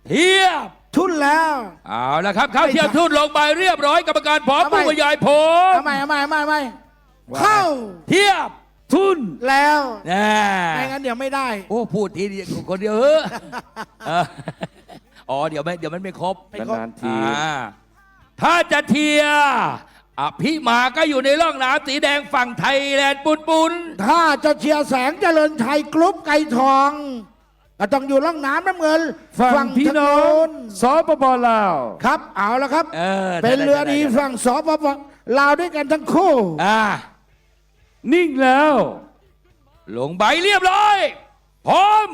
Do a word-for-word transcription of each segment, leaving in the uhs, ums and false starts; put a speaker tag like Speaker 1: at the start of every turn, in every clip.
Speaker 1: เทียบ
Speaker 2: ทุนแล้ว
Speaker 1: เอาละครับเข้าเทียบทุนลงไปเรียบร้อยกรรมการพร้อมผู้บรรยายผล
Speaker 2: เอาใหม่เอาใหม่เอาใหม่เอาใหม่เข้า
Speaker 1: เทียบทุน
Speaker 2: แล้ว
Speaker 1: นะ
Speaker 2: ไม่งั้นเดี๋ยวไม่ได้
Speaker 1: โอ้พูดทีเดียวคนเดียวเอออ๋อเดี๋ยวไม่เดี๋ยวมันไม่ครบ
Speaker 3: นานๆที
Speaker 1: ถ้าจะเทียอภิมาก็อยู่ในร่องน้ำสีแดงฝั่งไทยแลนด์ปุนปุน
Speaker 2: ถ้าจะเชียร์แสงเจริญชัยกรุ๊ปไก่ทองก็ต้องอยู่ร่องน้ำน้ำเงิน
Speaker 3: ฝั่งพี่น้องสปปลาว
Speaker 2: ครับเอาแล้วครับเเป็นเรือดีฝั่งสปปลาวด้วยกันทั้งคู่
Speaker 1: อ่า
Speaker 3: นิ่งแล้ว
Speaker 1: ลงใบเรียบร้อยพร้อม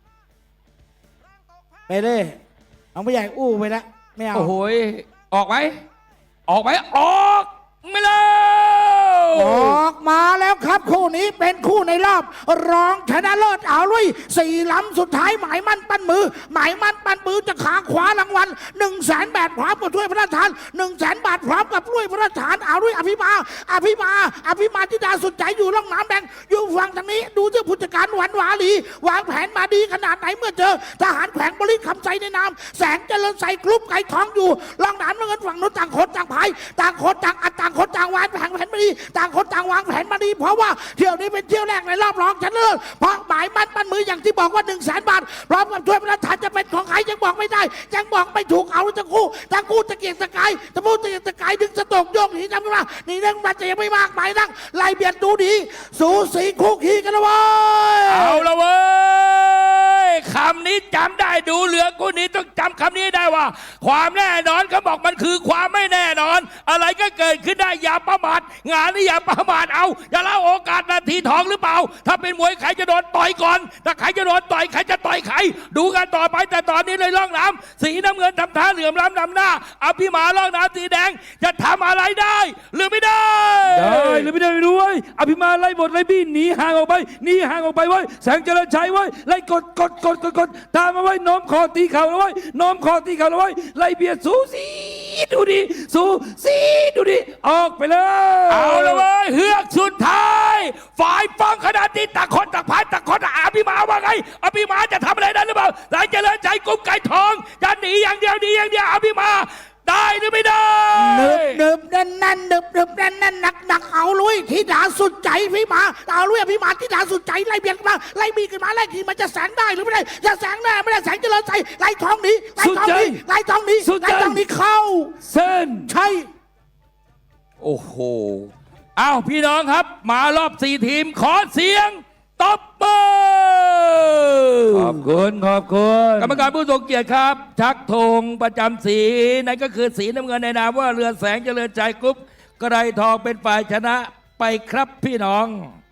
Speaker 2: ไปเลยเอาไม่ใหญ่อู้ไปแล้วไม่เอา
Speaker 1: โอ้โหออกไหมออกไหมออกไม่เลย
Speaker 2: ออกมาแล้วครับคู่นี้เป็นคู่ในรอบรองชนะเลิศเอาลุยสี่ลำสุดท้ายหมายมั่นปั้นมือหมายมั่นปั้นมือจะขาขวารางวัลหนึ่งแสนบาทพร้อมกับถ้วยพระราชทานหนึ่งแสนบาทพร้อมกับถ้วยพระราชทานเอาลุยอภิมาอภิมาอภิมาธิดาสุดใจอยู่ร่องน้ำแดงอยู่ฝั่งทางนี้ดูเจ้าผู้จัดการหวานหวาลีวางแผนมาดีขนาดไหนเมื่อเจอทหารแขวงบริคำใจในนามแสงเจริญใส่กรุ๊ปไก่ทองอยู่ร่องน้ำเงินฝั่งโน้นต่างคนต่างพายต่างคนต่างอัดต่างคนต่างวางแผนแผนมาดีต่างคนต่างวางแผนมาดีเพราะว่าเที่ยวนี้เป็นเที่ยวแรกในรอบรองชนะเลิศเพราะหมายมั่นปั้นมืออย่างที่บอกว่าหนึ่งแสนบาทพร้อมกับถ้วยพระราชทานจะเป็นของใครยังบอกไม่ได้ยังบอกไม่ถูกเอาทั้งคู่ทั้งคู่ตะเกียกตะกายตะพูตะเกียกตะกายดึงสะตกโยกหนีจำกันว่านี่เรื่องมันจะยังไม่มากหมายนักไล่เบียดดูดีสูสีคู่ขี้กันนะเว้ย
Speaker 1: เอาละเว้ยคำนี้จำได้ดูเหลือกูนี้ต้องจำคำนี้ได้ว่าความแน่นอนเขาบอกมันคือความไม่แน่นอนอะไรก็เกิดขึ้นได้อย่าประมาทงานนี้อย่าประมาทเอาอย่าละโอกาสนาทีทองหรือเปล่าถ้าเป็นมวยใครจะโดนต่อยก่อนถ้าใครจะโดนต่อยใครจะต่อยใครดูกันต่อไปแต่ตอนนี้เลยล่องน้ำสีน้ำเงินทำท่าเหลื่อมล้ำนำหน้าอภิมาล่องน้ำสีแดงจะทำอะไรได้หรือไม่ได้
Speaker 3: ได้หรือไม่ได้ไม่รู้เว้ยอภิมาไล่บทไล่บี้หนีห่างออกไปหนีห่างออกไปไว้แสงเจริญชัยไว้ไล่กดกดกดกดกดตามมาไว้น้อมคอตีเข่าแล้วไว้น้อมคอตีเข่าแล้วไว้ไล่เบียดสูสีดูดิสูสีดูดิออกไปเลย
Speaker 1: เอาละเว้ยเฮือกสุดท้ายฝ่ายฟ้องขนาดนี้ต่างคนต่างพายต่างคนอภิมาว่าไงอภิมาจะทำอะไรได้หรือเปล่าแสงเจริญชัยกุมไก่ทองจะหนีอย่างเดียวหนีอย่างเดียวอภิมาได้หรือไม่ได้
Speaker 2: เนิบเนิบแน่นแน่นเนิบเนิบแน่นแน่นหนักหนักเอาลุยทิดาสุดใจพี่มาเอาลุยพี่มาทิดาสุดใจไล่เบียดมาไล่บีขึ้นมาไล่ขี่มันจะแสงได้หรือไม่ได้จะแสงแน่ไม่ได้แสงเจริญใจไล่ทองนี้ไล่ทองนี้ไล่ทองนี้ไล่ทองนี้เข้า
Speaker 3: เส้น
Speaker 2: ใช่
Speaker 1: โอ้โหอ้าวพี่น้องครับมารอบสี่ทีมขอเสียงตบมือ
Speaker 3: ขอบคุณขอบคุณ
Speaker 1: กรรมการผู้ทรงเกียรติครับชักธงประจำสีนั่นก็คือสีน้ำเงินในนามว่าเรือแสงเจริญใจกรุ๊ปไกรทองเป็นฝ่ายชนะไปครับพี่น้อง